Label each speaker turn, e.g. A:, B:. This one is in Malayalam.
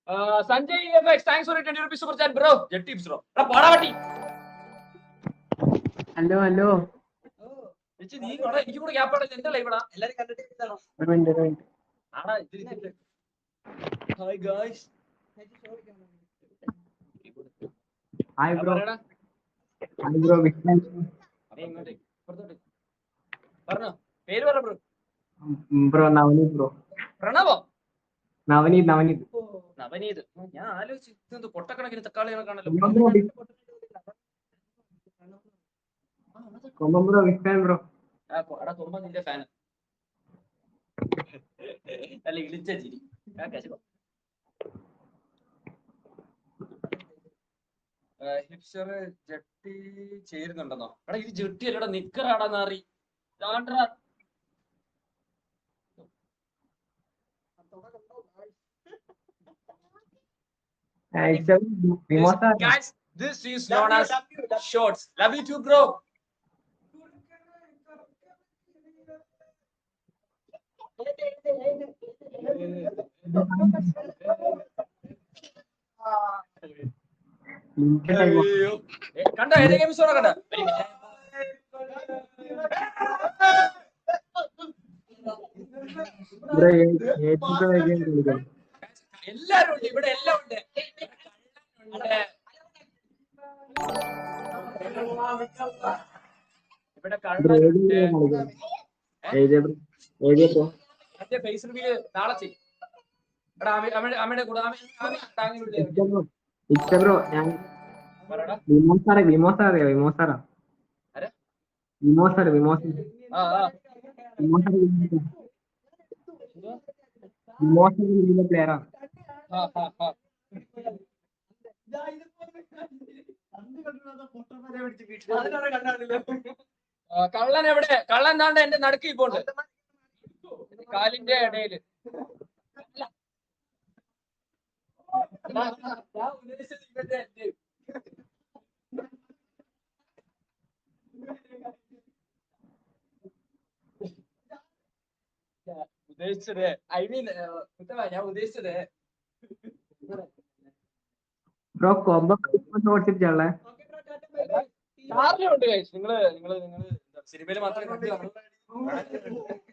A: Sanjay EFX, thanks for a 20 rupees super chat, bro. Jet tips, bro. Hello. എനിക്ക് കൂടെ ഗ്യാപ്പ് എന്റെ ലൈവടാ എല്ലാരും കണ്ടിട്ടാണോ? Hi guys.
B: Hi bro.
A: പറഞ്ഞോ, പേര് പറ ബ്രോ.
B: Bro Navaneeth bro.
A: പ്രണവോ?
B: നവനീത്.
A: നവനീത്. ഞാൻ ആലോചിച്ചു ഇതെന്ത് പൊട്ടക്കണക്കിന് തക്കാളികളെ കാണല്ലോ.
B: Bro വിഷ്ണൻ bro.
A: കൊമ്പ നിന്റെ ഫാൻ. അല്ല ഇളിച്ച ചിരി. ഹിപ്സ്റ്റർ ജെട്ടി ചേരുന്നുണ്ടെന്നോ? എടാ ഇത് ജെട്ടി അല്ലടാ, നിക്കറാടാ നാറി. Guys, this is known as shorts. Love you too, bro. കണ്ടോ ഏത് എപ്പിസോഡാ കണ്ടോ? എല്ലാരും ഉണ്ട് ഇവിടെ, എല്ലാം ഉണ്ട്. ഇവിടെ കള്ളനുണ്ട്. എന്റെ ഫേസ് റിവ്യൂ നാളെ ചെയ്യും. അമ്മയുടെ കൂടെ കള്ളൻ എവിടെ? കള്ളൻ താണ്ട് എന്റെ നടുക്ക് ഇപ്പോണ്ട്, കാലിന്റെ ഇടയില്. ഉദ്ദേശിച്ചത് ഞാൻ ഉദ്ദേശിച്ചത്
B: ബ്രോ കോംബോ ഓടിച്ചിട്ടുള്ളേ
A: ഉണ്ട്. നിങ്ങള് സിനിമയിൽ മാത്രമേ